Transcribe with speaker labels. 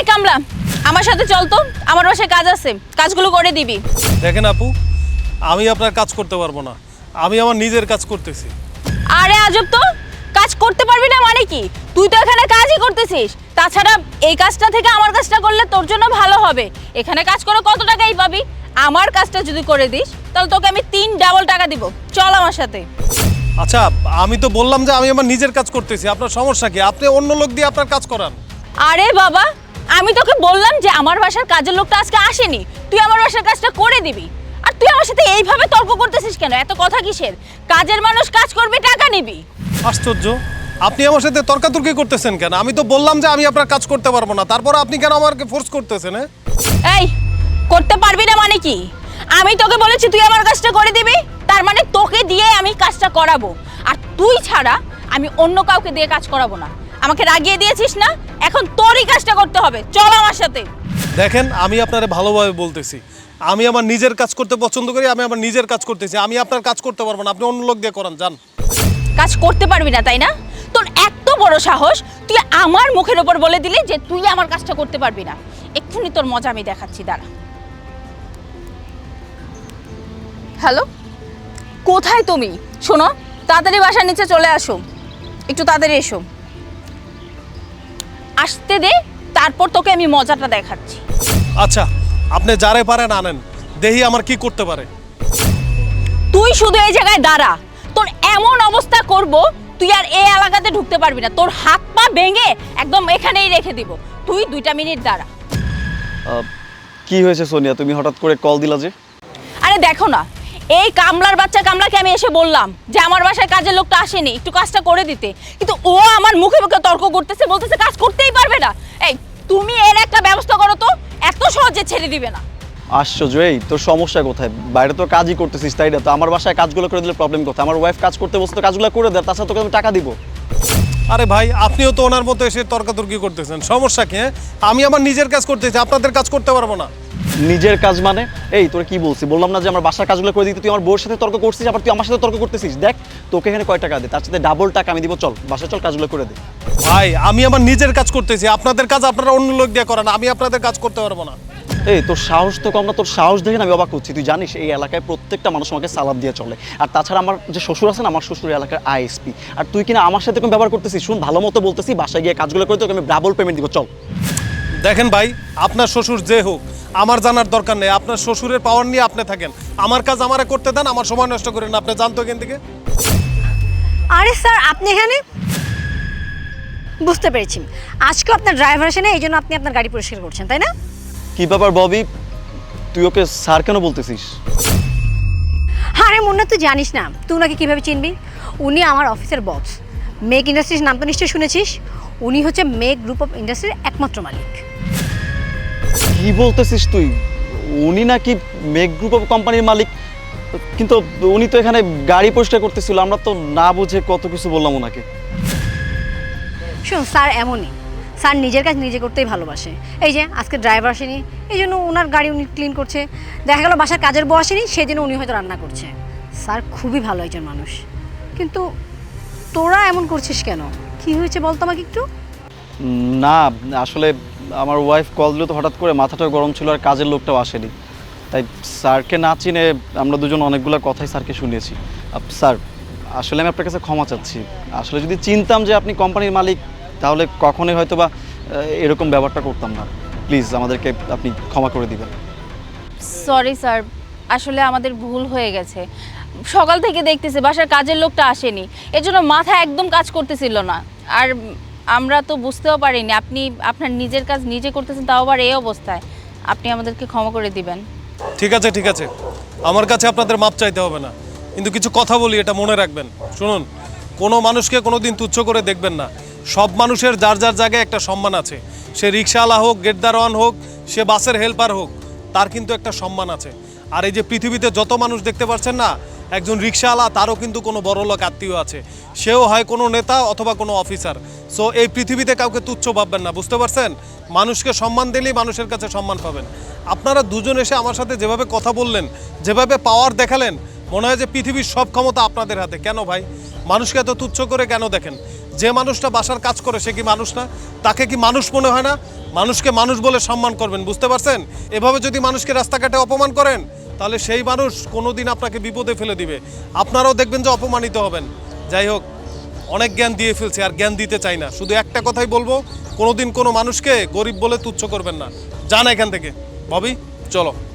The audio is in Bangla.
Speaker 1: কামলা, আমার সাথে চল তো, আমার বাসায় কাজ আছে, কাজগুলো করে দিবি।
Speaker 2: দেখেন আপু, আমি আপনার কাজ করতে পারবো না, আমি আমার নিজের কাজ করতেছি।
Speaker 1: আরে আজব তো, কাজ করতে পারবি না মানে কি? তুই তো এখানে কাজই করতেছিস। তাছাড়া এই কাজটা থেকে আমার কাজটা করলে তোর জন্য ভালো হবে। এখানে কাজ করে কত টাকাই পাবি? আমার কাজটা যদি করে দিস তাহলে তোকে আমি 3 ডাবল টাকা দিব। চল আমার সাথে।
Speaker 2: আচ্ছা, আমি তো বললাম যে আমি আমার নিজের কাজ করতেছি, আপনার সমস্যা কি? আপনি অন্য লোক দিয়ে আপনার কাজ করান।
Speaker 1: আরে বাবা, আমি তোকে বললাম যে আমার বাসার কাজের লোকটা আজকে আসেনি, তুই আমার বাসার কাজটা করে দিবি। আর তুই আমার সাথে এইভাবে তর্ক করতেছিস কেন? এত কথা কিসের? কাজের মানুষ কাজ করবে, টাকা নিবি।
Speaker 2: আশ্চর্য, আপনি আমার সাথে তর্কাতর্কি করতেছেন কেন? আমি তো বললাম যে আমি আপনার কাজ করতে পারবো না, তারপর আপনি কেন আমাকে ফোর্স করতেছেন?
Speaker 1: এই, করতে পারবি না মানে কি? আমি তোকে বলেছি তুই আমার কাজটা করে দিবি, তার মানে তোকে দিয়ে আমি কাজটা করাবো। আর তুই ছাড়া আমি অন্য কাউকে দিয়ে কাজ করাবো না। আমাকে রাগিয়ে দিয়েছিস না, এখন তোরই কাজটা করতে হবে। চল আমার সাথে।
Speaker 2: দেখেন, আমি আপনারে ভালোভাবে বলতেছি, আমি আমার নিজের কাজ করতে পছন্দ করি, আমি আমার নিজের কাজ করতেছি। আমি আপনার কাজ করতে পারবো না, আপনি অন্য লোক দিয়ে করান, যান।
Speaker 1: কাজ করতে পারবি না তাই না? তোর এত বড় সাহস, তুই আমার মুখের উপর বলে দিলি যে তুই আমার কাজটা করতে পারবি না। এক্ষুনি তোর মজা আমি দেখাচ্ছি, দাঁড়া। হ্যালো, কোথায় তুমি? শোনো, তাড়াতাড়ি বাসার নিচে চলে আসো, একটু তাড়াতাড়ি এসো। আসতে দে, তারপর তোকে আমি মজাটা দেখাচ্ছি।
Speaker 2: আচ্ছা, আপনি যারে পারেন আনেন, দেখি আমার কি করতে পারে।
Speaker 1: তুই শুধু এই জায়গায় দাঁড়া, তোর এমন অবস্থা করব তুই আর এই এলাকাতে ঢুকতে পারবি না। তোর হাত পা ভেঙে একদম এখানেই রেখে দিব। তুই 2টা মিনিট দাঁড়া।
Speaker 3: কি হয়েছে সোনিয়া, তুমি হঠাৎ করে কল দিলা যে?
Speaker 1: আরে দেখো না, এই কামলার বাচ্চা কামলাকে আমি এসে বললাম যে আমার বাসায় কাজের লোকটা আসেনি, একটু কাজটা করে দিতে, কিন্তু ও আমার মুখে মুখে তর্ক করতেছে, বলতেছে কাজ করতেই পারবে না। এই, তুমি এর একটা ব্যবস্থা করো তো, এত সহজে ছেড়ে দিবে না।
Speaker 3: আশ্চর্য, এই তোর সমস্যা কোথায়? বাইরে তো কাজই করতেছিস, তাই না? তো আমার বাসায় কাজগুলো করে দিলে প্রবলেম কোথায়? আমার ওয়াইফ কাজ করতে বসে তো কাজগুলো করে দেয়, তাছাড়া তোকে আমি টাকা দিব।
Speaker 2: আরে ভাই, আপনিও তো ওনার মতো এসে তর্কাতর্কি করতেছেন, সমস্যা কি? আমি আমার নিজের কাজ করতেছি, আপনাদের কাজ করতে পারবো না।
Speaker 3: নিজের কাজ মানে? এই তোর কি বলছি? বললাম না যে আমার বাসার কাজগুলো করে দিতে? তুই আমার বউর সাথে তর্ক করছিস, আবার তুই আমার সাথে তর্ক করতেছিস। দেখ, তোকে এখানে কয় টাকা দে, তার সাথে ডাবল টাকা আমি দিব। চল বাসায় চল, কাজগুলো করে দে।
Speaker 2: ভাই, আমি আমার নিজের কাজ করতেছি, আপনাদের কাজ আপনারা অন্য লোক দিয়ে করান, আমি আপনাদের কাজ করতে পারবো না।
Speaker 3: এই তোর সাহস তো কম না, তোর সাহস দেখে আমি অবাক হচ্ছি। তুই জানিস এই এলাকায় প্রত্যেকটা মানুষ আমাকে সালাম দিয়ে চলে। আর তাছাড়া আমার যে শ্বশুর আছে না, আমার শ্বশুর এলাকার আইএসপি। আর তুই কিনা আমার সাথে কোন ব্যবহার করতেছিস? শুন, ভালো মতো বলতেছি, বাসায় গিয়ে কাজগুলো করে তোকে আমি ডাবল পেমেন্ট দিব। চল।
Speaker 2: দেখেন ভাই, আপনার শ্বশুর যে হোক, আমার জানার দরকার নেই। আপনার শ্বশুরের পাওয়ার নিয়ে আপনি থাকেন, আমার কাজ আমারে করতে দেন, আমার সময় নষ্ট করেন না। আপনি জানতো এখান থেকে।
Speaker 4: আরে স্যার, আপনি এখানে? বুঝতে পেরেছি, আজকে আপনার ড্রাইভার আসে না, এই জন্য আপনি আপনার গাড়ি পরিষ্কার করছেন, তাই না?
Speaker 3: কি ব্যাপার ববি, তুই ওকে স্যার কেন বলতেছিস?
Speaker 4: আরে মুন্না, তুই জানিস না, তুই ওনাকে কীভাবে চিনবি? উনি আমার অফিসের বস। মেক ইন্ডাস্ট্রিজ নাম তো নিশ্চয়ই শুনেছিস। উনি হচ্ছে মেক গ্রুপ অফ ইন্ডাস্ট্রির একমাত্র মালিক।
Speaker 3: কি বলতেছিস তুই? উনি নাকি মেক গ্রুপ অফ কোম্পানির মালিক? কিন্তু উনি তো এখানে গাড়ি পরিষ্কার করতেছিল, আমরা তো না বুঝে কত কিছু বললাম ওনাকে।
Speaker 4: শোন স্যার, এমনই, স্যার নিজের কাজ নিজে করতেই ভালোবাসে। এই যে আজকে ড্রাইভার আসেনি, এই জন্য ওনার গাড়ি উনি ক্লিন করছে। দেখা গেল বাসার কাজের বউ আসেনি, সেই জন্য উনি হয়তো রান্না করছে। স্যার খুবই ভালো একজন মানুষ। কিন্তু তোরা এমন করছিস কেন? কি হয়েছে বলতো আমাকে একটু।
Speaker 3: না, আসলে আমার ওয়াইফ কল দিল তো হঠাৎ করে, মাথাটা গরম ছিল, আর কাজের লোকটাও আসেনি। তাই স্যারকে না চিনে আমরা দুজন অনেকগুলো কথাই স্যারকে শুনিয়েছি। স্যার, আসলে আমি আপনার কাছে ক্ষমা চাচ্ছি। আসলে যদি চিনতাম যে আপনি কোম্পানির মালিক, তাহলে কখনোই হয়তো বা এরকম ব্যাপারটা করতাম না। প্লিজ আমাদেরকে আপনি ক্ষমা করে দিবেন।
Speaker 1: সরি স্যার, আসলে আমাদের ভুল হয়ে গেছে। সকাল থেকে দেখতেছি বাসার কাজের লোকটা আসেনি, এজন্য মাথা একদম কাজ করতেছিল না। আর আমরা তো বুঝতেও পারিনি আপনি আপনার নিজের কাজ নিজে করতেছেন, তাও আবার এই অবস্থায়। আপনি আমাদেরকে ক্ষমা করে দিবেন।
Speaker 2: ঠিক আছে, ঠিক আছে, আমার কাছে আপনাদের মাপ চাইতে হবে না, কিন্তু কিছু কথা বলি, এটা মনে রাখবেন। শুনুন, কোনো মানুষকে কোনো দিন তুচ্ছ করে দেখবেন না। সব মানুষের যার যার জায়গায় একটা সম্মান আছে। সে রিক্সাওয়ালা হোক, গেটদারওয়ান হোক, সে বাসের হেল্পার হোক, তার কিন্তু একটা সম্মান আছে। আর এই যে পৃথিবীতে যত মানুষ দেখতে পাচ্ছেন না, একজন রিক্সাওয়ালা, তারও কিন্তু কোনো বড়লোক আত্মীয় আছে। সেও হয় কোনো নেতা অথবা কোনো অফিসার। সো এই পৃথিবীতে কাউকে তুচ্ছ ভাববেন না, বুঝতে পারছেন? মানুষকে সম্মান দিলেই মানুষের কাছে সম্মান পাবেন। আপনারা দুজন এসে আমার সাথে যেভাবে কথা বললেন, যেভাবে পাওয়ার দেখালেন, মনে হয় যে পৃথিবীর সব ক্ষমতা আপনাদের হাতে। কেন ভাই, মানুষকে এত তুচ্ছ করে কেন দেখেন? যে মানুষটা বাসার কাজ করে সে কি মানুষ না? তাকে কি মানুষ মনে হয় না? মানুষকে মানুষ বলে সম্মান করবেন, বুঝতে পারছেন? এভাবে যদি মানুষকে রাস্তাঘাটে অপমান করেন তাহলে সেই মানুষ কোনোদিন আপনাকে বিপদে ফেলে দিবে, আপনারাও দেখবেন যে অপমানিত হবেন। যাই হোক, অনেক জ্ঞান দিয়ে ফেলছি, আর জ্ঞান দিতে চাই না। শুধু একটা কথাই বলবো, কোনোদিন কোনো মানুষকে গরিব বলে তুচ্ছ করবেন না। যান এখান থেকে। ববি, চলো।